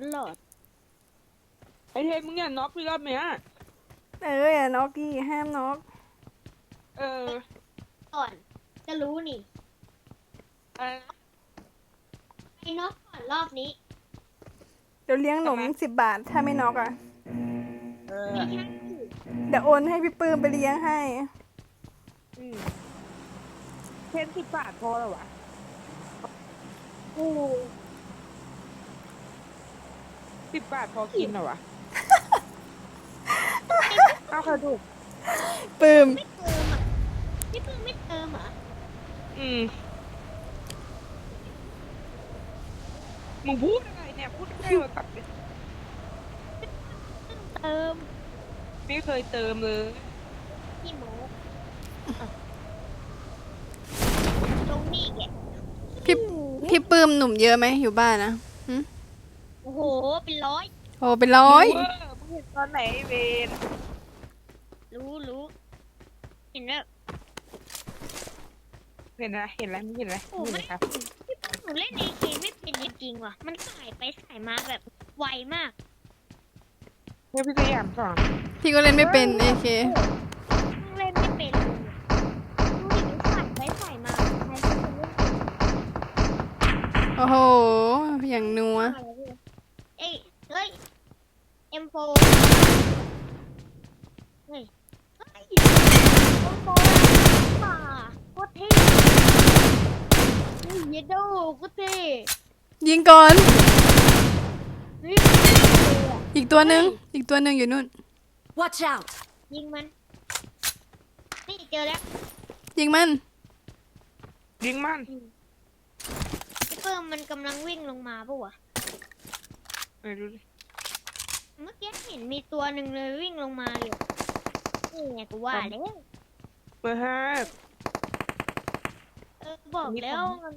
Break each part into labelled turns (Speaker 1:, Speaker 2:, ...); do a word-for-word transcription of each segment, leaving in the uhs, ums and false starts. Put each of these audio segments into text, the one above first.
Speaker 1: ลอด
Speaker 2: ไอเทมมึงอย่าน็อกพี่รอบเนี้ย
Speaker 3: เอออย่าน็อกกี้ห้ามน็อก
Speaker 2: เออ
Speaker 1: ก่อนจะรู้นี่
Speaker 2: อะไรนะ
Speaker 1: ไอ้น็อกก่อนรอบนี้
Speaker 3: เดี๋ยวเลี้ยงหนมสิบบาทถ้าไม่น็อกอ่ะ
Speaker 2: เออ
Speaker 1: ไม่ใช่
Speaker 3: เดี๋ยวโอนให้พี่ปื้มไปเลี้ยงให้
Speaker 2: อืมเทมสิบบาทพอแล้ววะ
Speaker 1: โอ้
Speaker 2: สิบบาทพอกินเหรอวะ เอากระดูก
Speaker 3: ปื้ม
Speaker 1: ไม่เติมอ่ะพี่เพิ่งไม่เติมเหรอ
Speaker 2: อืมมึงพูดอะไรเนี่ยพูดใกล้มาตัดเลย
Speaker 1: เติม
Speaker 2: ไม่เคยเติมเลย
Speaker 1: พี่โมลงนี่แก
Speaker 3: พี่พี่ปื้มหนุ่มเยอะไหมอยู่บ้านนะหึ
Speaker 1: โอ้โหเป็นร้อย
Speaker 3: โอ้เป็นร้อย
Speaker 2: เวอร์มึงเห็นตอนไหนไอ้เวน
Speaker 1: รู้รู้เห็นแล้ว
Speaker 2: เห็นอะไรเห็นอะไรมึงเห็นอะไร
Speaker 1: โอ้
Speaker 2: มึง
Speaker 1: ไม่
Speaker 2: เห็นครับ
Speaker 1: พี่เพิ่งหนูเล่นเอเคไม่เป็นจริงๆว่ะมันสายไปสายมาแบบไวมาก
Speaker 2: เฮ้ยพี่สยามสอน
Speaker 3: พี่ก็เล่นไม่เป็นเอเค
Speaker 1: เล่นไม่เป็นเลยดูดิมันสายไปสายมาใครจะเล่นเป็น
Speaker 3: โอ้โหอย่างนัว
Speaker 1: เอ้ยเฮ้ย เอ็ม โฟร์ เฮ้ย เฮ้ย เอ็ม โฟร์ ป่าโคตรเท่เฮ้ยเยดโดโคตรเท่
Speaker 3: ยิงก่อน
Speaker 1: เฮ้ยเท่เลยอะ
Speaker 3: อีกตัวหนึ่งอีกตัวหนึ่งอยู่นู่น
Speaker 4: Watch out!
Speaker 1: ยิงมัน นี่เจอแล้ว
Speaker 3: ยิงมัน
Speaker 2: ยิงมัน
Speaker 1: ไอ้เพิ่มมันกำลังวิ่งลงมาปะวะ
Speaker 2: เออดูดิ
Speaker 1: เมื่อกี้เห็นมีตัวหนึ่งเลยวิ่งลงมาอยู่นี่ไงกูว่าแล้ว
Speaker 2: เบอร์ห้า
Speaker 1: เออบอกแล้วมัน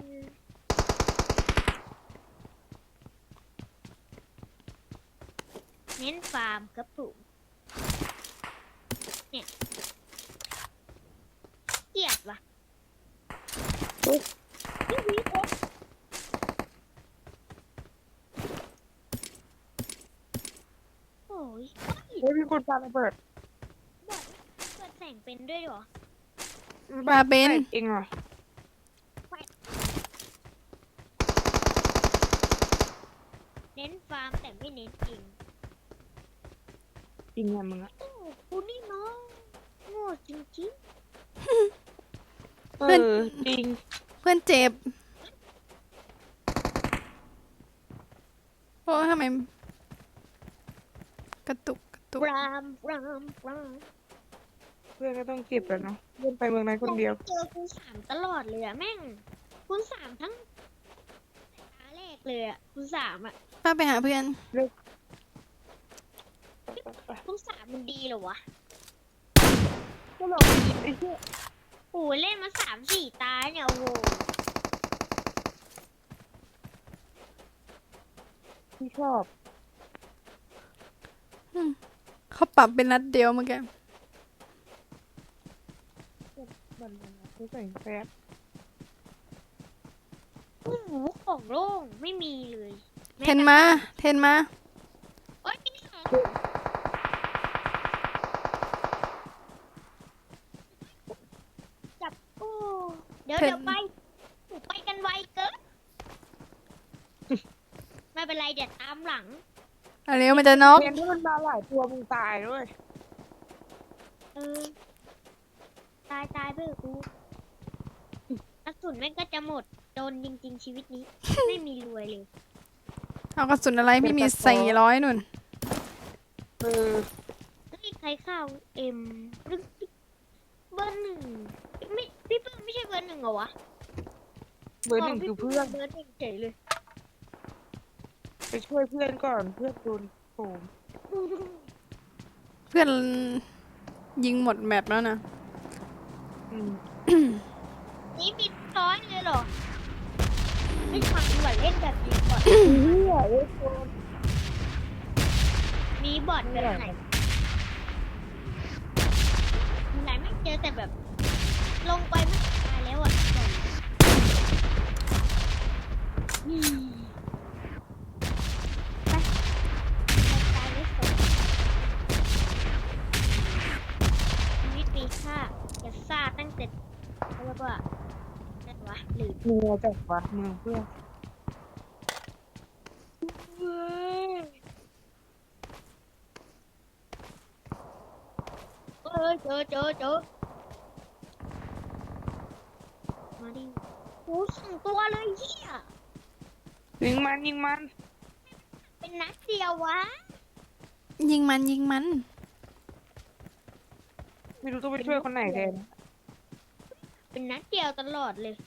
Speaker 1: เน้นฟาร์มครับผมเนี่ยเกลียดว่ะนี่วีโอโอ้ย
Speaker 2: เฮ้ยมีคนปาระเบิด
Speaker 1: บอกเปิดแสงเป็นด้วยเหรอ
Speaker 3: ปลาเป็น
Speaker 2: เองเหรอ
Speaker 1: เน้นฟาร์มแต่ไม่เน้นจริง
Speaker 2: จริงไงมึงอะ
Speaker 1: โอ้กูนี่เนาะโง่จริง
Speaker 2: เออจริง
Speaker 3: เพื่อนเจ็บโอ้ทำไมกระตุกกระตุก
Speaker 1: ๆรามรามราม
Speaker 2: เพื่อนก็ต้องเก็บแล้วเนาะเพื่อนไปเมืองนั้นคนเดียว
Speaker 1: เจอคูณสามตลอดเลยอะแม่งคูณสามทั้งตาแรกเลยอะคูณสามอะ
Speaker 3: ป้าไปหาเพื่อน
Speaker 1: คูณสามมันดีเหรอวะ
Speaker 2: ก็ลองกินไอ้เหี้ย
Speaker 1: โอ้ยเล่นมาสามสี่ตาเนี่ยโอ้โห
Speaker 2: ที่ชอบ
Speaker 3: เขาปรับเป็นนัดเดียวเมื่อกี้
Speaker 2: มันเขาใส่แฟบ
Speaker 1: โอ้โหของโล่งไม่มีเลย
Speaker 3: เทนมาเทนมา
Speaker 1: โอ๊ยมีสองจับโอ้เดี๋ยว
Speaker 3: เห็น
Speaker 1: เดี๋ยวไปโอ้ไปกันไวเกิน ไม่เป็นไรเดี๋ยวตามหลัง
Speaker 3: เอาเร็วมันจะน็อก
Speaker 2: เรียนที่มันมาหลายตัวมึงตายด้วย
Speaker 1: เออ ตายตายไปเถอะกูกระสุนแม่งก็จะหมดโดนจริง ๆ ชีวิตนี้ ไม่มีรวยเลย
Speaker 3: เอากระสุนอะไรพี่มีสี่ร้อยนุ่น
Speaker 2: เออ
Speaker 1: เฮ้ยใครเข้าเอ็มเบอร์หนึ่งไม่พี่เพิ่งไม่ใช่เบอร์หนึ่งเหรอวะ
Speaker 2: เบอร์หนึ่งคือเพื่อน
Speaker 1: เบอร์หนึ่งเฉยเลย
Speaker 2: ไปช่วยเพื่อนก่อนเพื่อนโดนโผม
Speaker 3: เพื่อนยิงหมดแมปแล้วนะ
Speaker 2: อืม
Speaker 1: นี่มีร้อยเลยเหรอไม่ฟังหน่อยเล่นแบบนี้ก่อน
Speaker 2: เหี้ยเอ้ยโดน
Speaker 1: มีบอทแบบไหนไหนไม่เจอแต่แบบ ลงไปไม่ตายแล้วอ่ะบอทอืมไปร็จแล้วก็อะไรวะหรือ
Speaker 2: เมืองจัดวะเมืองเพื่อน
Speaker 1: เออเจอเจอเจอมาดิโอ้สองตัวเลยเฮีย
Speaker 2: ยิงมันยิงมัน
Speaker 1: เป็นนัดเดียววะ
Speaker 3: ยิงมันยิงมัน
Speaker 2: ไม่รู้ต้องไปช่วยคนไหนแทน
Speaker 1: เป็นนัดเดียวตลอดเลย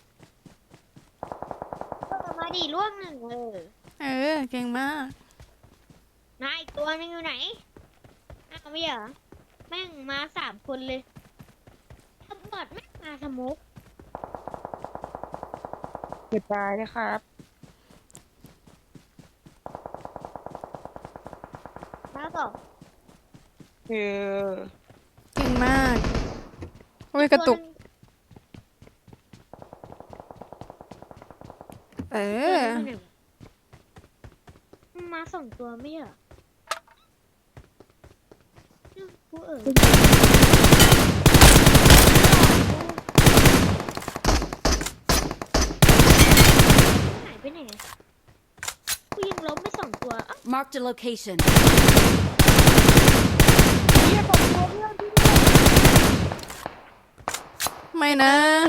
Speaker 1: เออมาดิล่วงหนึ่งเออ
Speaker 3: เออ เก่งมาก
Speaker 1: นายอีกตัวนึงอยู่ไหนอ้าวไม่เหรอแม่งมาสามคนเลยตำรวจแม่งมาสมุก
Speaker 2: เจ็บตายนะครับ
Speaker 1: แล้วก็
Speaker 2: เออ
Speaker 3: เก่งมากโอ้ยกระตุก เอ
Speaker 1: ตัว
Speaker 3: อ
Speaker 1: นึงมาสองตัวไม่เหรอกูเออหายไปไหนอะกูยิงล้มไปสองตัวอ้าว
Speaker 4: Marked a location.
Speaker 2: เฮียบอกตัวเพื่อนที่
Speaker 3: ไม่นะ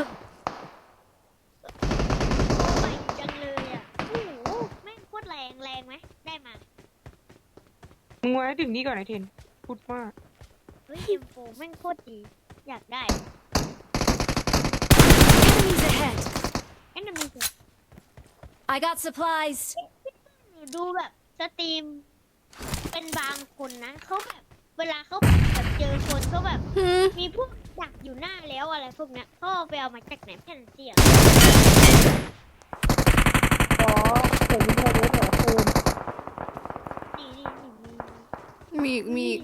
Speaker 1: โอ้ยจังเลยอ่ะโอ้โหแม่งโคตรแรงแรงไหมได้มา
Speaker 2: มึงไว้ถึงนี่ก่อนไอเทนพูดมาก
Speaker 1: เฮ้ยเอ็มโฟแม่งโคตรดี อยากได้
Speaker 4: Enemies ahead.
Speaker 1: แอนนามีสิ
Speaker 4: I got supplies.
Speaker 1: ดูแบบสตรีม เป็นบางคนนะเขาแบบ เวลาเขาแบบเจอคนเขาแบบ
Speaker 3: หืม
Speaker 1: มีพวกดักอยู่หน้าแล้วอะไรพวกเนี้ยเขาเอาไปเอามาจากไหนแผ่นเสียง
Speaker 2: อ๋อเดี๋ยวยิงเลยเดี๋ยวเดี๋ยวคืน
Speaker 1: นี่นี่นี่นี่
Speaker 3: มีอีกมีอีก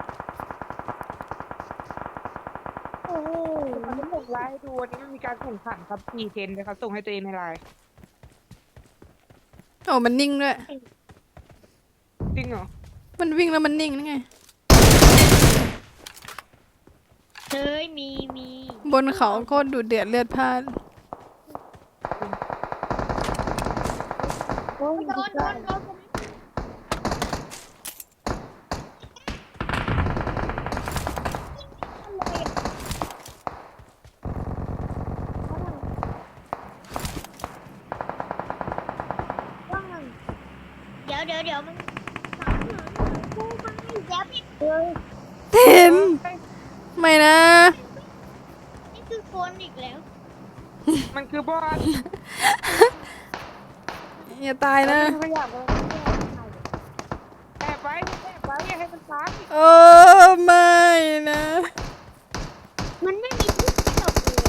Speaker 1: โอ้โห
Speaker 2: มันไม่ส่งไลน์ให้ดูวันนี้มันมีการแข่งขันครับสี่เทนเลยครับส่งให้ตัวเองในไลน์
Speaker 3: โอ้มันนิ่งด้วย
Speaker 2: จริงเหรอ
Speaker 3: มันวิ่งแล้วมันนิ่งนั่นไง
Speaker 1: เฮ้ยมีมี
Speaker 3: บนเขาโคตรดูเดือดเลือดพล่าน
Speaker 2: โอ้ย
Speaker 1: โดนโดนโดนเดี๋ยวเดี๋ยวเดี๋ยวมันสามหางกูมาอีกแล้วพี่เอ้ย
Speaker 3: เทนไม่นะ
Speaker 1: นี่คือคนอีกแล้ว
Speaker 2: มันคือบอส
Speaker 3: อย่าตายนะ
Speaker 2: พยายามเลยแอบไว้แอบไว้อย่าให้มันตาย
Speaker 3: โอ้ไม่นะ
Speaker 1: มันไม่มีที่ตกเลย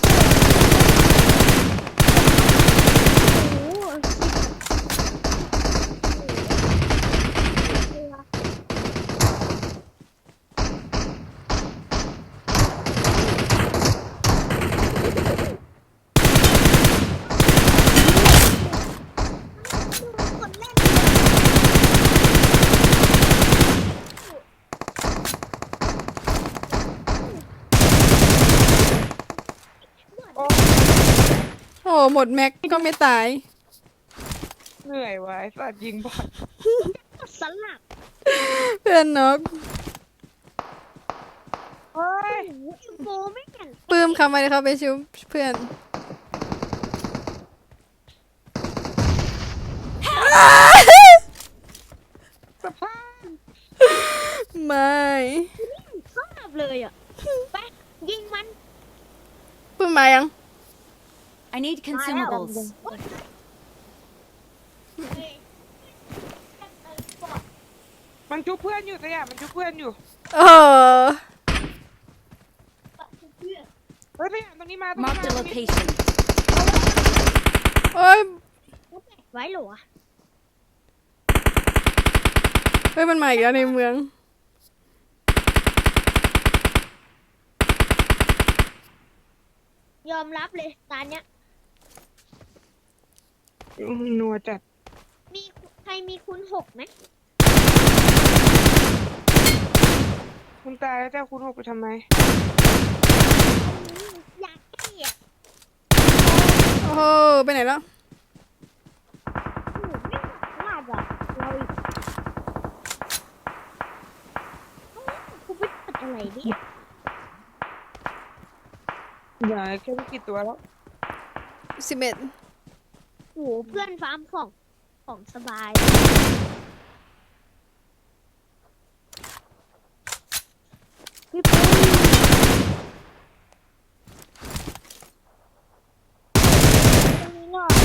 Speaker 1: โอ้โห คนเล่น
Speaker 2: โอ้
Speaker 3: โอ้หมดแม็กก็ไม่ตาย
Speaker 2: เหนื่อยว่ะไอ้สัตว์ยิงบอส
Speaker 1: สลับ
Speaker 3: เพื่อนนก
Speaker 2: เฮ้ย
Speaker 1: โอ้โหอินโฟไม่เห็น
Speaker 3: ปื้มคำไปเขาไปชิวเพื่อน
Speaker 2: สภาพ
Speaker 3: ไม่
Speaker 1: สลับเลยอ่ะ ไป ยิงมัน
Speaker 3: ปื้มมายัง
Speaker 4: I need consumables.
Speaker 1: เฮ้ย
Speaker 2: มันชุบเพื่อนอยู่สยามมันชุบเพื่อนอยู่
Speaker 3: โอ้
Speaker 2: เฮ้ยสยามตรงนี้มาตรงนี้
Speaker 4: Marked
Speaker 2: มา
Speaker 4: a
Speaker 2: ตรงนี้
Speaker 4: location.
Speaker 3: โอ้ย
Speaker 1: ไว้เหรอวะ
Speaker 3: เฮ้ยมันมาอีกแล้วในเมือง
Speaker 1: ยอมรับเลยตอนเนี้ย
Speaker 2: นัวจัด
Speaker 1: มีใครมีคุณหกไหม
Speaker 2: คุณตายแล้วเจ้าคุณหกไปทำไม
Speaker 1: อย่า
Speaker 3: อไปไหนแล้ว
Speaker 1: โอ้โหไม่พลาดอ่ะเราอีกกูไปตัดอะไรเนี่ย
Speaker 2: เหลือแค่ไม่กี่ตัวแล้ว
Speaker 3: สิบเอ็ด
Speaker 1: โอ้โหเพื่อนฟาร์มของของสบาย
Speaker 2: พี่ปุ้ย
Speaker 1: ตรงนี้หน่อย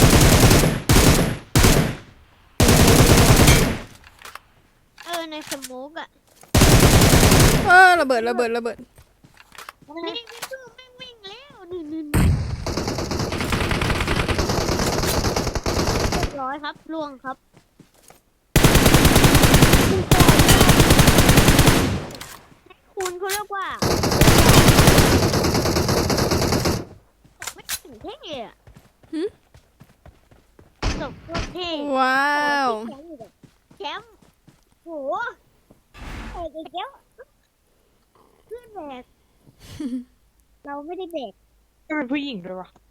Speaker 1: เออในสโมุกอะ
Speaker 3: เออระเบิดระเบิดระเบิด
Speaker 1: นี่พี่ตู้ไม่งวิ่งแล้วนี่นี่เรียบร้อยครับล่วงครับคุณเขาเรียกว่าไม่ถึงเท่อะ
Speaker 3: หึ
Speaker 1: ตกโคตรเท่
Speaker 3: ว้าว
Speaker 1: แชมป์อยู่แบบแชมป์โหเอกอีกแล้วเพื่อนแบก เราไม่ได้แบก
Speaker 2: เป็นผู้หญิงด้วยวะ